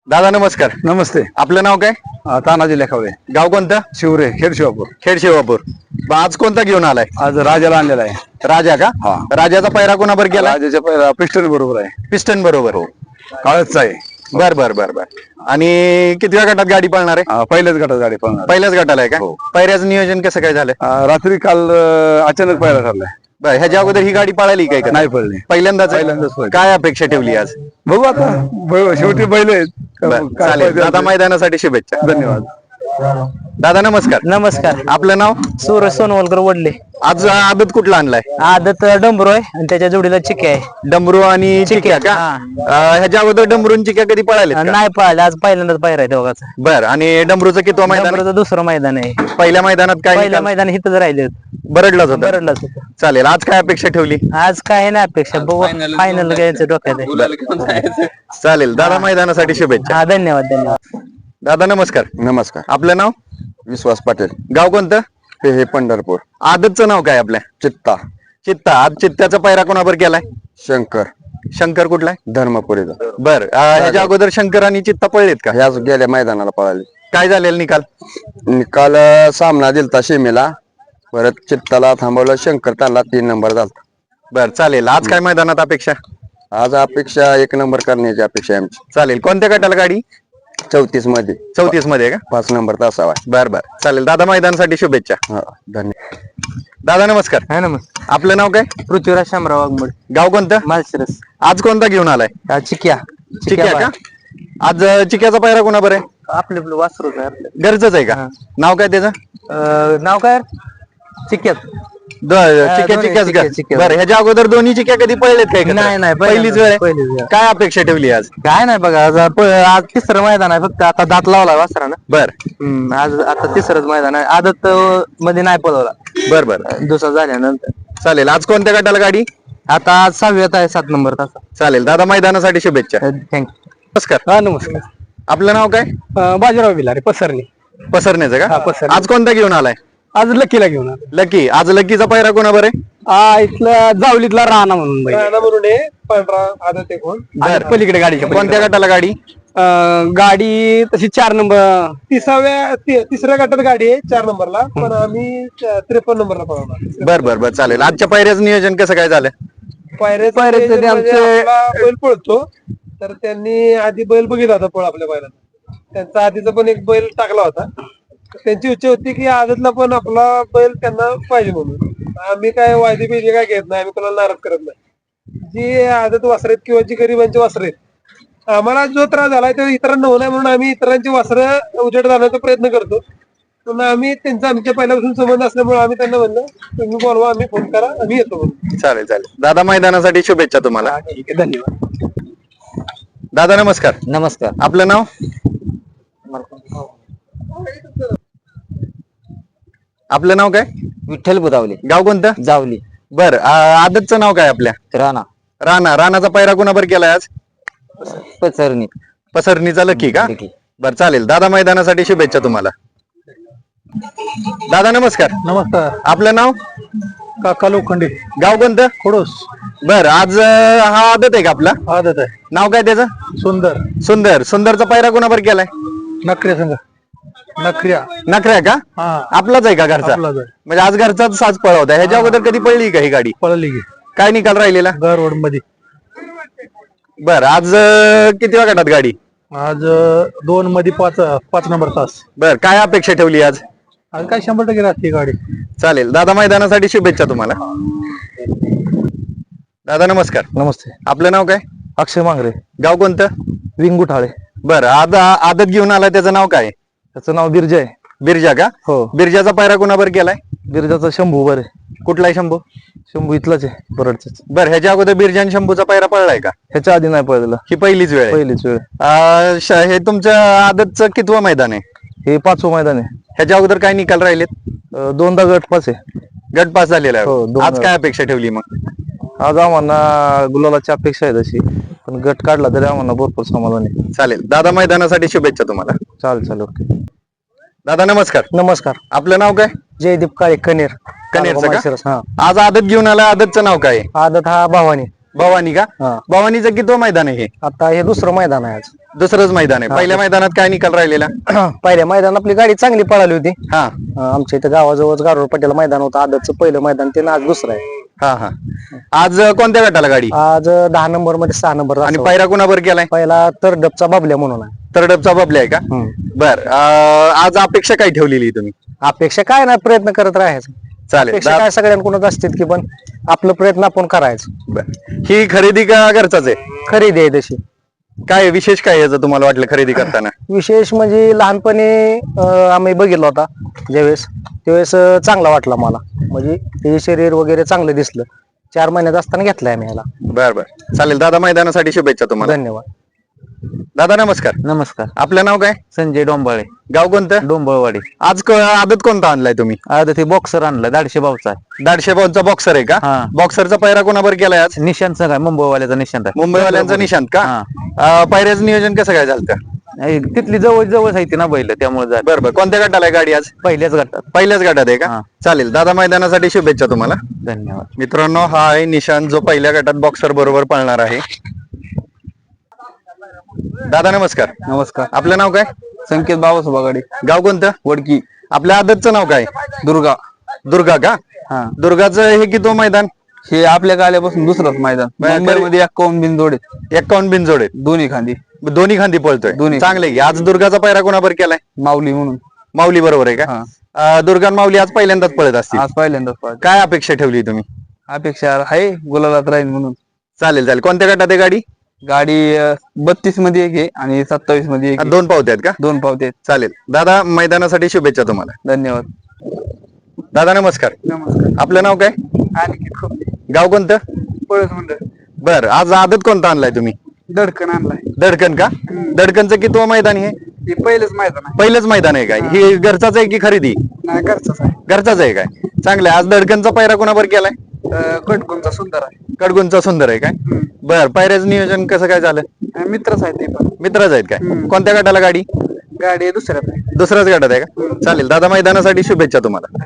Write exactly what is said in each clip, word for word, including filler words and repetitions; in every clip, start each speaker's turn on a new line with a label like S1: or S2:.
S1: दादा नमस्कार.
S2: नमस्ते.
S1: आपलं नाव काय?
S2: अ, तानाजी लेखावले.
S1: गाव कोणतं?
S2: शिवरे खेड शिवापूर.
S1: खेड शिवापूर. मग आज कोणता घेऊन आलाय?
S2: आज राजाला आणलेला आहे.
S1: राजा का?
S2: हा.
S1: राजाचा पैरा कोणाबर गेला?
S2: राजाच्या पहिला पिस्टन बरोबर आहे.
S1: पिस्टन बरोबर.
S2: काळच आहे.
S1: बर बर बर बर. आणि कितव्या गटात गाडी पळणार आहे?
S2: अ, पहिल्याच गटात गाडी पळणार.
S1: पहिल्याच गटाला आहे का?
S2: हो.
S1: पैऱ्याचं नियोजन कसं काय झालं?
S2: अ, रात्री काल अ, अचानक पहिला ठरलाय.
S1: बर, ह्याच्या अगोदर ही गाडी पळाली काय का?
S2: नाही पडली.
S1: पहिल्यांदाच आहे?
S2: पहिल्यांदाच पळली.
S1: काय अपेक्षा ठेवली आज?
S2: बघू आता. ब- शेवटी बैल आहेत.
S1: बरं,
S2: काय
S1: चालेल.
S2: पाहिजे
S1: दादा
S2: ते.
S1: मैदानासाठी शुभेच्छा.
S2: धन्यवाद.
S1: दादा नमस्कार.
S3: नमस्कार.
S1: आपलं नाव?
S3: सूरज सोनवलकर वडले.
S1: आज आदत कुठला आणलाय?
S3: आदत डंबरो आहे आणि त्याच्या जोडीला चिके आहे.
S1: डमरू आणि चिक्या का?
S3: हा.
S1: अं, ह्याच्या अगोदर डमरू आणि चिक्या कधी पळाले?
S3: नाही पाहिलं, आज पहिल्यांदाच पाहिला आहे दोघांचा.
S1: बर, आणि डमरूचं किती मैदान?
S3: डंबरोचं दुसरं मैदान आहे.
S1: पहिल्या मैदानात काय
S3: पहिल्या
S1: निकाल?
S3: मैदान इथंच राहिले होते.
S1: बरडलाच होता.
S3: बरडलाच होतं.
S1: चालेल. आज काय अपेक्षा ठेवली?
S3: आज काय नाही अपेक्षा, बघू फायनल घ्यायचं डोक्यात आहे.
S1: चालेल. दादा मैदानासाठी शुभेच्छा.
S3: हा, धन्यवाद धन्यवाद.
S1: दादा नमस्कार.
S2: नमस्कार.
S1: आपलं नाव?
S2: विश्वास पाटील.
S1: गाव कोणतं?
S2: हे हे पंढरपूर.
S1: आदतचं नाव काय आपल्या?
S2: चित्ता
S1: चित्ता. आज चित्त्याचा पैरा कोणाबर केलाय?
S2: शंकर
S1: शंकर कुठलाय?
S2: धर्मपुरीचा.
S1: बर, अं, ह्याच्या अगोदर शंकर आणि चित्ता पळलेत का?
S2: ह्याच गेल्या मैदानाला पळाली.
S1: काय झालेलं निकाल?
S2: निकाल सामना दिलता शेमीला. परत चित्ताला थांबवलं. शंकर त्याला तीन नंबर झाला.
S1: बर, चालेल. आज काय मैदानात अपेक्षा?
S2: आज अपेक्षा एक नंबर करण्याची अपेक्षा आहे आमची.
S1: चालेल. कोणत्या गटाला गाडी?
S2: चौतीस मध्ये.
S1: चौतीस मध्ये का?
S2: पाच नंबर तासावा.
S1: बर बर, चालेल. दादा मैदानासाठी शुभेच्छा.
S2: हा, धन्यवाद.
S1: दादा नमस्कार.
S3: हा, नमस्कार.
S1: आपलं नाव काय?
S3: पृथ्वीराज शामराव वाघमोड.
S1: गाव कोणतं?
S3: मालशिरस.
S1: आज कोणता घेऊन आलाय?
S3: हा, चिक्या.
S1: चिक्या का? आज अं, चिक्याचा पैरा कोणा बरं आहे?
S3: आपले आपलं वासरूच आहे आपलं.
S1: गरजच आहे का? नाव काय त्याचं?
S3: अं, नाव काय? चिक्यात.
S1: द- चिक्या
S3: दोन्ही
S1: चिक्याच
S3: चिक्या,
S1: का?
S3: चिक्या.
S1: बरं, ह्याच्या अगोदर दोन्ही चिक्या कधी पळलेत काय एकत्र?
S3: नाही, नाही,
S1: पहिलीच वेळ आहे?
S3: पहिलीच वेळ.
S1: काय अपेक्षा ठेवली आज?
S3: काय नाही बघा, आज प- आज तिसरं मैदान आहे फक्त. आता दात लावला वासरानं.
S1: बर
S3: हम्म, आज आता तिसरंच मैदान आहे. आदत अं, मध्ये नाही पळवला,
S1: बर बर,
S3: दुसरा झाल्यानंतर.
S1: चालेल. आज कोणत्या गटाला गाडी?
S3: आता आज सहाव्यात आहे, सात नंबर तासा.
S1: चालेल. दादा मैदानासाठी शुभेच्छा.
S3: थँक्यू.
S1: नमस्कार.
S4: हा, नमस्कार.
S1: आपलं नाव काय?
S4: अं, बाजीराव बिलारे पसरणी.
S1: पसरण्याचं
S4: हा,
S1: का?
S4: पसरणे.
S1: आज कोणता घेऊन आलाय?
S4: आज लकीला घेऊन आलो.
S1: लकी. आज लकीचा पैरा कोणा बरं आहे?
S4: हा, इथला जावलीतला राणा म्हणून बैल.
S1: बर,
S4: आणि पलीकडे गाडीच्या
S1: कोणत्या
S4: पलीकडे.
S1: गटाला गाडी?
S4: अं, गाडी तशी चार नंबर.
S5: तिसाव्या ति- तिसऱ्या गटात गाडी आहे चार नंबरला, पण आम्ही त्रेपन्न नंबरला पळवणार.
S1: बर बर बर, चालेल. आजच्या पैऱ्याचं नियोजन कसं काय झालं?
S5: पायऱ्याचं
S4: पायऱ्याचं
S5: नियोजन
S4: ते
S5: म्हणजे
S4: आमचे-
S5: आपला बैल पळतो, तर त्यांनी आधी बैल बघितला होता पळ आपल्या बैलाचा. त्यांचा आधीचा पण एक बैल टाकला होता. त्यांची इच्छा होती की आदतला पण आपला बैल त्यांना पाहिजे म्हणून. आम्ही काय वायदे बियदे काय घेत नाही, आम्ही कोणाला नाराज करत नाही. जी आदत वासरेत किंवा जी गरिबांची वासरे आहेत, आम्हाला जो त्रास झालाय तो इतरांना होणार म्हणून आम्ही इतरांची वासरं उजेड घालण्याचा प्रयत्न करतो. पण आम्ही त्यांचा आमच्या पहिल्यापासून संबंध असल्यामुळे आम्ही त्यांना म्हणलं तुम्ही बोलवा, आम्ही फोन करा, आम्ही येतो म्हणून.
S1: चालेल चालेल. दादा मैदानासाठी शुभेच्छा तुम्हाला.
S4: ठीक आहे, धन्यवाद.
S1: दादा नमस्कार.
S3: नमस्कार.
S1: आपलं नाव? आपलं नाव काय?
S3: विठ्ठल बुदावले.
S1: गाव कोणतं?
S3: जावली.
S1: बर, आदतचं नाव काय आपल्या?
S3: राणा.
S1: राणा. राणाचा पैरा कोणाबर केलाय आज?
S3: पचरणी.
S1: पसरणीचा लकी का? बर, चालेल. दादा मैदानासाठी शुभेच्छा तुम्हाला. दादा नमस्कार.
S4: नमस्कार.
S1: आपलं नाव?
S4: काका लोखंडे.
S1: गाव कोणतं?
S4: खोडोस.
S1: बर, आज अं, हा आदत आहे का आपला?
S4: आदत आहे.
S1: नाव काय त्याचं?
S4: सुंदर.
S1: सुंदर. सुंदरचा पैरा कोणाबर केलाय?
S4: नखऱ्या संघ. नखऱ्या.
S1: नखऱ्या का?
S4: हा,
S1: आपलाच आहे का घरचा?
S4: आपलाच आहे.
S1: म्हणजे आज घरचाच साज पळवता. ह्याच्या अगोदर कधी पडली का ही गाडी?
S4: पळली की
S1: काय निकाल राहिलेला?
S4: गरवड मध्ये.
S1: बर, आज अं, किती गटात गाडी?
S4: आज अं, दोन मध्ये पाच पाच नंबर तास.
S1: बर, काय अपेक्षा ठेवली आज?
S4: आज काय शंभर टक्के राहते गाडी.
S1: चालेल. दादा मैदानासाठी शुभेच्छा तुम्हाला. दादा नमस्कार.
S3: नमस्ते.
S1: आपलं नाव काय?
S3: अक्षय मांगरे.
S1: गाव कोणतं?
S3: विंगुठाळे.
S1: बर, आज आदत घेऊन आला, त्याचं नाव काय?
S3: त्याचं नाव बिरजा आहे.
S1: बिरजा का?
S3: हो.
S1: बिरजाचा पैरा कोणाबर केलाय?
S3: बिरजाचा शंभू बरे.
S1: कुठला आहे शंभू?
S3: शंभू इथलाच आहे, बरडचाच.
S1: बर, ह्याच्या अगोदर बिरजा आणि शंभूचा पैरा पळलाय का?
S3: ह्याच्या आधी नाही पळलेला,
S1: ही पहिलीच वेळ आहे?
S3: पहिलीच वेळ.
S1: अं, श- हे तुमच्या आदतचं कितवं मैदान आहे?
S3: हे पाचवं मैदान आहे.
S1: ह्याच्या अगोदर काय निकाल राहिलेत?
S3: अं, दोनदा गट पास आहे.
S1: गट पास झालेला
S3: हो,
S1: आहे.
S3: दोन
S1: आज
S3: गट.
S1: काय अपेक्षा ठेवली मग?
S3: आज आम्हाला गुलालाची अपेक्षा आहे तशी, पण गट काढला तरी आम्हाला भरपूर समाधान आहे.
S1: चालेल. दादा मैदानासाठी शुभेच्छा तुम्हाला.
S3: चालेल चालेल, ओके.
S1: दादा नमस्कार.
S3: नमस्कार.
S1: आपलं नाव काय?
S3: जयदीप काळे, कनेर.
S1: कनेरचं का?
S3: हा.
S1: आज आदत घेऊन आला, आदतचं नाव काय आहे?
S3: आदत हा भावानी.
S1: भवानी का?
S3: हा.
S1: भवानीचं कितवं मैदान आहे हे?
S3: आता हे दुसरं मैदान आहे आज.
S1: दुसरंच मैदान आहे. पहिल्या मैदानात काय निकाल राहिलेला?
S6: पहिल्या मैदान आपली गाडी चांगली पळाली होती.
S1: हा
S6: अं, आमच्या इथं गावाजवळच गारोड पटेल मैदान होतं. आदतचं पहिलं मैदान ते आज दुसरं आहे.
S1: हा हा आज कोणत्या गटाला गाडी
S6: आज अं, दहा नंबर मध्ये सहा नंबर
S1: आणि पायरा कुणावर केलाय?
S6: पहिला तर डबचा बाबल्या म्हणून आहे.
S1: तरडपचा बबल्या आहे का? बर अं, आज अपेक्षा काय ठेवलेली तुम्ही?
S6: अपेक्षा काय नाही, प्रयत्न करत राहायचं.
S1: चालेल.
S6: अपेक्षा काय सगळ्यांकडूनच असतात की, पण आपलं प्रयत्न आपण करायचं.
S1: बर. ही खरेदी का घरचाच आहे?
S6: खरेदी आहे तशी.
S1: काय विशेष काय याचं तुम्हाला वाटलं खरेदी करताना?
S6: विशेष म्हणजे लहानपणी अं, आम्ही बघितलं होता ज्यावेळेस, त्यावेळेस अं, चांगला वाटला मला. म्हणजे ते शरीर वगैरे चांगलं दिसलं. चार महिन्यात असताना घेतलाय आम्ही ह्याला.
S1: बर बर चालेल. दादा मैदानासाठी शुभेच्छा तुम्हाला.
S6: धन्यवाद.
S1: दादा नमस्कार.
S3: नमस्कार.
S1: आपलं नाव काय?
S3: संजय डोंबाळे,
S1: गाव कोणतं?
S3: डोंबळवाडी.
S1: आज क- आदत कोणता आणलाय तुम्ही?
S3: आता ते बॉक्सर आणला दाडशे भाऊचा.
S1: दाडशे बॉलचा बॉक्सर आहे का?
S3: हा.
S1: बॉक्सरचा पायरा कोणावर केलाय आज?
S3: निशांत काय मुंबईवाल्याचा निशांत आहे.
S1: मुंबईवाल्यांचा निशांत का?
S3: हा.
S1: अं, पायऱ्याचं नियोजन कसं काय झालं?
S3: नाही, तिथली जवळ जवळ आहे ती ना बैल, त्यामुळे जा
S1: बरं बरं कोणत्या गटाला आहे गाडी आज?
S3: पहिल्याच गटात.
S1: पहिल्याच गटात आहे का?
S3: हा.
S1: चालेल. दादा मैदानासाठी शुभेच्छा तुम्हाला.
S3: धन्यवाद.
S1: मित्रांनो हा आहे निशांत, जो पहिल्या गटात बॉक्सर बरोबर पळणार आहे. दादा नमस्कार.
S2: नमस्कार.
S1: आपलं नाव काय?
S2: संकेत बाबासोबा गाडी
S1: गाव कोणतं?
S2: वडकी
S1: आपल्या आदतचं नाव काय?
S2: दुर्गा.
S1: दुर्गा का?
S2: हा.
S1: दुर्गाचं हे किती मैदान?
S2: हे आपल्या आल्यापासून दुसरंच मैदान.
S1: बरं,
S2: मुंबईमध्ये एक्कावन्न बिनजोड आहेत.
S1: एकावन्न बिनजोड आहेत.
S2: दोन्ही खांदी
S1: दोन्ही खांदी पळतोय.
S2: दोन्ही.
S1: चांगले की. आज दुर्गाचा पायरा कोणावर केलाय?
S2: माऊली म्हणून.
S1: माऊली बरोबर आहे का?
S2: हा.
S1: अं, दुर्गा आणि माऊली आज पहिल्यांदाच पळत असतील.
S2: आज पहिल्यांदाच पाहिजे.
S1: काय अपेक्षा ठेवली तुम्ही?
S2: अपेक्षा आहे गुलालात राहील म्हणून.
S1: चालेल चालेल. कोणत्या गटात आहे गाडी?
S2: गाडी बत्तीस मध्ये एक आहे आणि सत्तावीस मध्ये एक आहे.
S1: दोन पावते आहेत का?
S2: दोन पावते आहेत.
S1: चालेल. दादा मैदानासाठी शुभेच्छा तुम्हाला.
S2: धन्यवाद.
S1: दादा नमस्कार.
S2: नमस्कार.
S1: आपलं नाव काय?
S2: आणखी खूप
S1: गाव कोणतं?
S2: पळस म्हणलं
S1: बर आज आदत कोणता आणलाय तुम्ही?
S2: दडकन आणलाय.
S1: दडकन का? दडकनचं किती मैदान हे?
S2: हे पहिलंच मैदान आहे.
S1: पहिलंच मैदान आहे काय? हे घरचाच आहे की खरेदी?
S2: नाही घरचंच आहे.
S1: घरचाच आहे काय? चांगलं आहे. आज दडकनचा पायरा कोणावर केलाय?
S2: कटकोणचा सुंदर आहे.
S1: कडगुंचा सुंदर आहे काय? बर पायऱ्याचं नियोजन कसं काय झालं?
S2: मित्रच आहे ते पण.
S1: मित्रच आहेत काय? कोणत्या गटाला गाडी?
S2: गाडी दुसऱ्यात आहे.
S1: दुसऱ्याच गटात आहे का? चालेल. दादा मैदानासाठी शुभेच्छा तुम्हाला.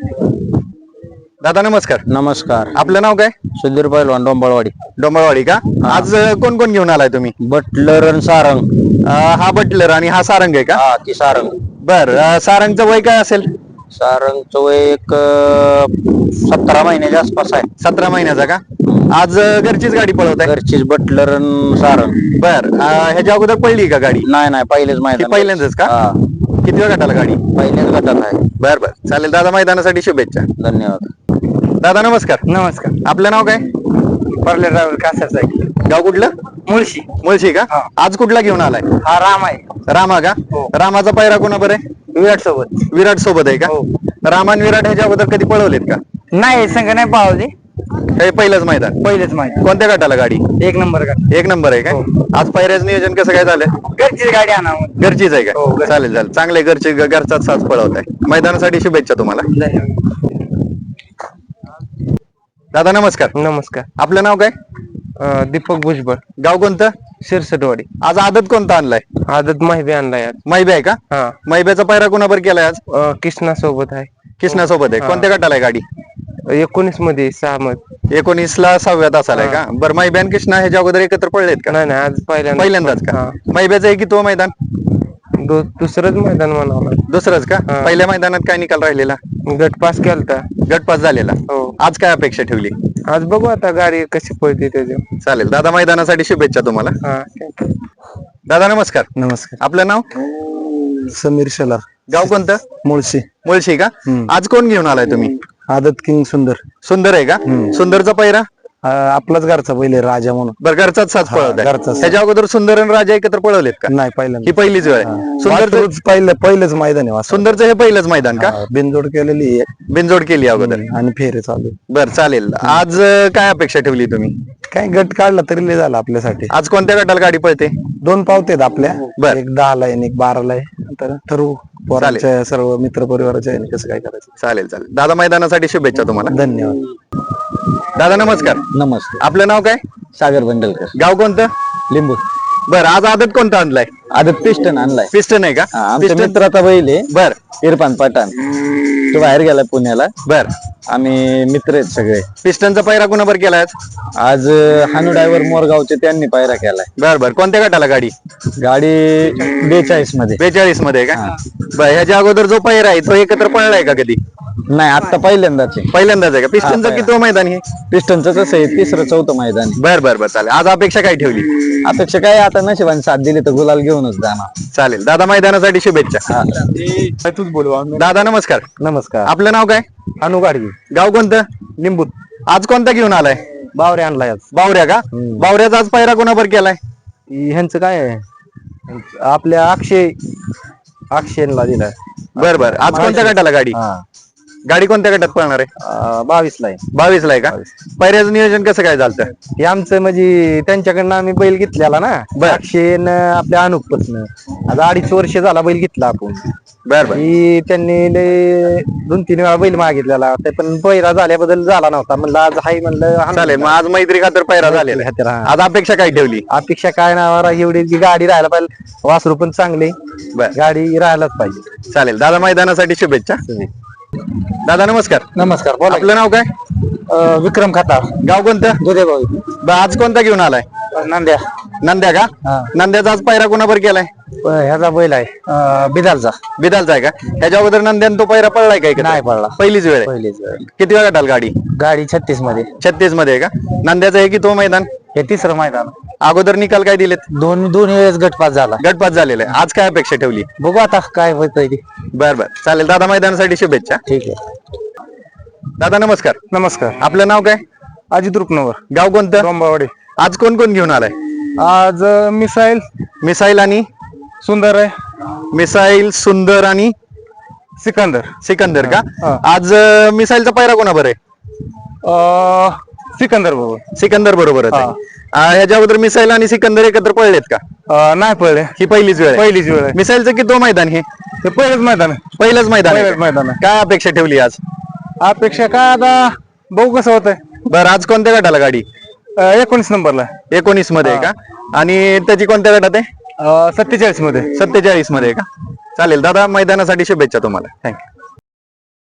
S1: दादा नमस्कार.
S6: नमस्कार.
S1: आपलं नाव काय?
S6: सुधीर पैलवान, डोंबळवाडी.
S1: डोंबळवाडी का? आज अं, कोण कोण घेऊन आलाय तुम्ही?
S6: बटलर आणि सारंग.
S1: अं, हा बटलर आणि हा सारंग आहे का?
S6: हा ती सारंग.
S1: बर सारंगचं वय काय असेल?
S6: सारंगचं वय एक अं, सतरा महिन्याच्या आसपास आहे.
S1: सतरा महिन्याचा का? आज अं, घरचीच गाडी पळवत आहे?
S6: घरचीच बटलर आणि सारंग.
S1: बर ह्याच्या अगोदर पडली का गाडी?
S6: नाही नाही पहिलेच
S1: ही
S6: मैदान.
S1: पहिल्यांदाच का?
S6: हा,
S1: किती वेळ गटाला गाडी?
S6: पहिल्याच गटात आहे.
S1: बर बर चालेल. दादा मैदानासाठी शुभेच्छा.
S6: धन्यवाद.
S1: दादा नमस्कार.
S5: नमस्कार.
S1: आपलं नाव काय?
S5: परले ड्रायव्हर कासाच आहे.
S1: गाव कुठलं?
S5: मुळशी.
S1: मुळशी का? आज कुठला घेऊन आलाय?
S5: हा राम आहे.
S1: रामा का? रामाचा पायरा कोणाबर आहे?
S5: विराट सोबत.
S1: विराट सोबत आहे का? रामा आणि विराट ह्याच्या अगोदर कधी पळवलेत का?
S5: नाही संघ नाही पावले.
S1: हे पहिलंच मैदान.
S5: पहिलेच माहिती.
S1: कोणत्या गटाला गाडी?
S5: एक नंबर का?
S1: एक नंबर आहे का? आज पायऱ्याचं नियोजन कसं काय झालं?
S5: घरचीच गाडी आणा.
S1: घरचीच आहे का? चालेल चालेल. चांगले घरचे घरचाच साज पळवत आहे. मैदानासाठी शुभेच्छा तुम्हाला. दादा नमस्कार.
S5: नमस्कार.
S1: आपलं नाव काय?
S5: अं, दीपक भुजबळ,
S1: गाव कोणतं?
S5: शिरसटवाडी.
S1: आज आदत कोणता आणलाय?
S5: आदत माहिती आणलाय आज.
S1: मैबे आहे का?
S5: हा.
S1: मैब्याचा पायरा कोणाबर केलाय आज?
S5: अं, कृष्णा सोबत आहे.
S1: कृष्णा सोबत आहे. कोणत्या गटाला आहे गाडी?
S5: एकोणीस मध्ये सहा मध्ये.
S1: एकोणीस ला सहाव्या तासाला आहे का? बरं मैब्यान कृष्णा ह्याच्या अगोदर एकत्र पळलेत का?
S5: नाही नाही आज पहिल्यांदा.
S1: पहिल्यांदाच का?
S5: हा.
S1: मैब्याचं आहे की तो मैदान?
S5: दो- दुसरंच मैदान म्हणावं.
S1: दुसरंच का?
S5: हा.
S1: पहिल्या मैदानात काय निकाल राहिलेला?
S5: गट पास केलता.
S1: गटपास झालेला.
S5: हो.
S1: आज काय अपेक्षा ठेवली?
S5: आज बघू आता गाडी कशी पळते त्याच्या.
S1: चालेल. दादा मैदानासाठी शुभेच्छा तुम्हाला.
S5: हा.
S1: दादा नमस्कार.
S6: नमस्कार.
S1: आपलं नाव?
S6: समीर शेलार,
S1: गाव कोणतं?
S6: मुळशी.
S1: मुळशी का? आज कोण घेऊन आलाय तुम्ही?
S6: आदत किंग सुंदर.
S1: सुंदर आहे का? सुंदरचा पायरा?
S6: आपलाच घरचा पहिले राजा म्हणून.
S1: बरं घरचाच साज पळवत आहे.
S6: घरचाच.
S1: ह्याच्या अगोदर सुंदर आणि राजा एकत्र पळवलेत का?
S6: नाही
S1: ही
S6: पहिल्यांदा.
S1: पहिलीच वेळ आहे. सुंदरचं
S6: पहिलं पहिलंच मैदान आहे.
S1: सुंदरचं हे पहिलंच मैदान का?
S6: बिनजोड केलेली आहे
S1: बिनजोड केली अगोदर.
S6: आणि फेरे चालू.
S1: बर चालेल. आज अं, काय अपेक्षा ठेवली तुम्ही?
S6: काय गट काढला तरी लय झाला आपल्यासाठी.
S1: आज कोणत्या गटाला गाडी पळते?
S6: दोन पावतेत आपल्या.
S1: बर.
S6: एक दहा ला आहे एक बारा ला आहे. नंतर ठरवू पोरांच्या सर्व मित्र परिवाराच्या ह्याने कसं काय करायचं.
S1: चालेल चालेल. दादा मैदानासाठी शुभेच्छा तुम्हाला.
S6: धन्यवाद.
S1: दादा नमस्कार.
S6: नमस्ते.
S1: आपलं नाव काय?
S6: सागर बंडलकर,
S1: गाव कोणतं?
S6: लिंबू.
S1: बर आज आदत कोणता आणलाय?
S7: आदत पिस्टन आणलाय.
S1: पिस्टन आहे का?
S7: हा, आमच्या
S1: पिस्टन
S7: मित्राचा बैल आहे
S1: बर
S7: इरफान पठाण. तो बाहेर गेला पुण्याला.
S1: बर.
S7: आम्ही मित्र आहेत सगळे.
S1: पिस्टनचा पैरा कुणाबर केलाय आज?
S7: आज हानू ड्रायव्हर मोरगावचे त्यांनी पायरा केलाय.
S1: बर बर. कोणत्या गटाला गाडी?
S7: गाडी बेचाळीस मध्ये.
S1: बेचाळीस मध्ये आहे का? बर. ह्याच्या अगोदर जो पैरा आहे तो एकत्र पळलाय का कधी?
S7: नाही, आता पहिल्यांदाच आहे.
S1: पहिल्यांदाच आहे का? पिस्टनचं
S7: हा,
S1: किती मैदान हे?
S7: पिस्टनचं कसं आहे, तिसरं चौथं मैदान आहे.
S1: बर बर बर. चालेल. आज अपेक्षा काय ठेवली?
S7: अपेक्षा काय, आता नशिबाने साथ दिली तर गुलाल घेऊनच जाणार.
S1: चालेल. दादा मैदानासाठी शुभेच्छा.
S4: तूच बोलवा.
S1: दादा नमस्कार.
S6: नमस्कार.
S1: आपलं नाव काय?
S6: अनु गाडगी,
S1: गाव कोणतं?
S6: लिंबू.
S1: आज कोणता घेऊन आलाय?
S6: बावरे आणलाय आज.
S1: बावऱ्या का? बावऱ्याचा आज पैरा कोणाबर केलाय?
S6: ह्यांचं काय आहे, आपल्या अक्षय अक्षयला दिलाय.
S1: बर बर. आज कोणत्या गटाला गाडी? गाडी कोणत्या गटात पळणार आहे?
S6: बावीस ला आहे.
S1: बावीस ला आहे का? पैऱ्याचं नियोजन कसं काय झालं?
S6: हे आमचं म्हणजे त्यांच्याकडनं आम्ही बैल घेतलेला ना, अक्षयन आपल्या अनुपपासनं. आता अडीच वर्ष झाला बैल घेतला आपण.
S1: बर बर.
S6: ही त्यांनी लय दोन तीन वेळा बैल मागितलेला, ते पण पैरा झाल्याबद्दल झाला नव्हता. म्हणलं आज हाय म्हणलं.
S1: चालेल. मग आज मैत्री खातर पैरा झालेला आहे.
S6: हा.
S1: आज अपेक्षा काय ठेवली?
S6: अपेक्षा काय ना, एवढी की गाडी राहायला पाहिजे, वासरू पण चांगले,
S1: बर.
S6: गाडी राहायलाच पाहिजे.
S1: चालेल. दादा मैदानासाठी शुभेच्छा. दादा नमस्कार.
S6: नमस्कार. बोला.
S1: आपलं नाव काय?
S6: अं, विक्रम खताळ,
S1: गाव कोणतं?
S6: दुधेभाऊ,
S1: ब- आज कोणता घेऊन आलाय?
S6: नांद्या.
S1: नंद्या का?
S6: हा.
S1: नंद्याचा आज पैरा कोणाबर केलाय?
S6: ह्याचा बैल आहे अं, बिदालचा.
S1: बिदालचा आहे का? ह्याच्या अगोदर नंद्यान तो पैरा पडलाय काय?
S6: नाही पडला.
S1: पहिलीच वेळ आहे.
S6: पहिलीच वेळ.
S1: किती वेळा गटाल गाडी?
S6: गाडी छत्तीस मध्ये.
S1: छत्तीस मध्ये आहे का? नंद्याचं आहे की तो मैदान?
S6: हे तिसरं मैदान.
S1: अगोदर निकाल काय दिलेत?
S6: दोन दोन वेळेस गटपास झाला.
S1: गटपात झालेला आहे. आज काय अपेक्षा ठेवली?
S6: बघू आता काय होतंय ते.
S1: बर बर. चालेल. दादा मैदानासाठी शुभेच्छा.
S6: ठीक आहे.
S1: दादा नमस्कार.
S3: नमस्कार.
S1: आपलं नाव काय?
S3: अजित रुपनवर,
S1: गाव कोणतं?
S3: डोंबावाडी.
S1: आज कोण कोण घेऊन आलाय?
S3: आज मिसाईल
S1: मिसाईल आणि
S3: सुंदर आहे,
S1: मिसाईल, सुंदर आणि
S3: सिकंदर.
S1: सिकंदर का?
S3: हा.
S1: आज अं, मिसाईलचा पैरा कोणाबर आहे?
S3: अं, सिकंदर बरोबर.
S1: सिकंदर बरोबरच आहे. अं, ह्याच्या अगोदर मिसाईल आणि सिकंदर एकत्र पळलेत का?
S3: अं, नाही पळले.
S1: ही पहिलीच वेळ आहे.
S3: पहिलीच वेळ आहे.
S1: मिसाईलचं किती मैदान हे?
S3: ते पहिलंच मैदान आहे.
S1: पहिलंच मैदान आहे
S3: पहिलंच
S1: का?
S3: मैदान आहे.
S1: काय अपेक्षा ठेवली आज?
S3: अपेक्षा काय, आता बघू कसं होतंय.
S1: बरं. आज कोणत्या गटाला गाडी?
S3: अं, एकोणीस नंबरला.
S1: एकोणीस मध्ये आहे का? आणि त्याची कोणत्या गटात आहे?
S3: अं, सत्तेचाळीस मध्ये.
S1: सत्तेचाळीस मध्ये आहे का? चालेल. दादा मैदानासाठी शुभेच्छा तुम्हाला. थँक्यू.